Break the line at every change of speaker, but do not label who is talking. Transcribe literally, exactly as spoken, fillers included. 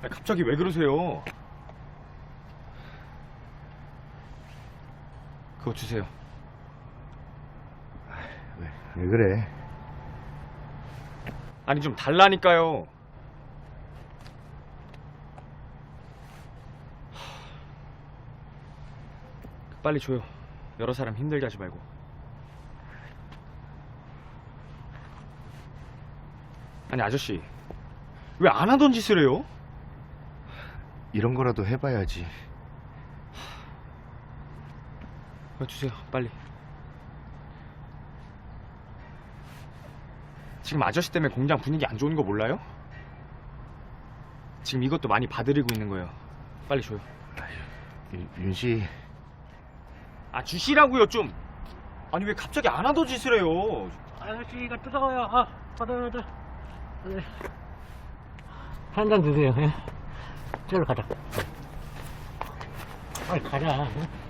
아니, 갑자기 왜 그러세요? 그거 주세요.
왜, 왜 그래?
아니 좀 달라니까요. 빨리 줘요. 여러 사람 힘들게 하지 말고. 아니 아저씨 왜 안 하던 짓을 해요?
이런 거라도 해봐야지.
어, 주세요 빨리. 지금 아저씨 때문에 공장 분위기 안 좋은 거 몰라요? 지금 이것도 많이 봐드리고 있는 거예요. 빨리 줘요.
윤- 윤씨,
아 주시라고요 좀. 아니 왜 갑자기 안 하던 짓을 해요?
아저씨가 뜨거워요. 아, 받아, 받아. 네. 한잔 드세요. 예. 저로 가자. 빨리 가자. 예?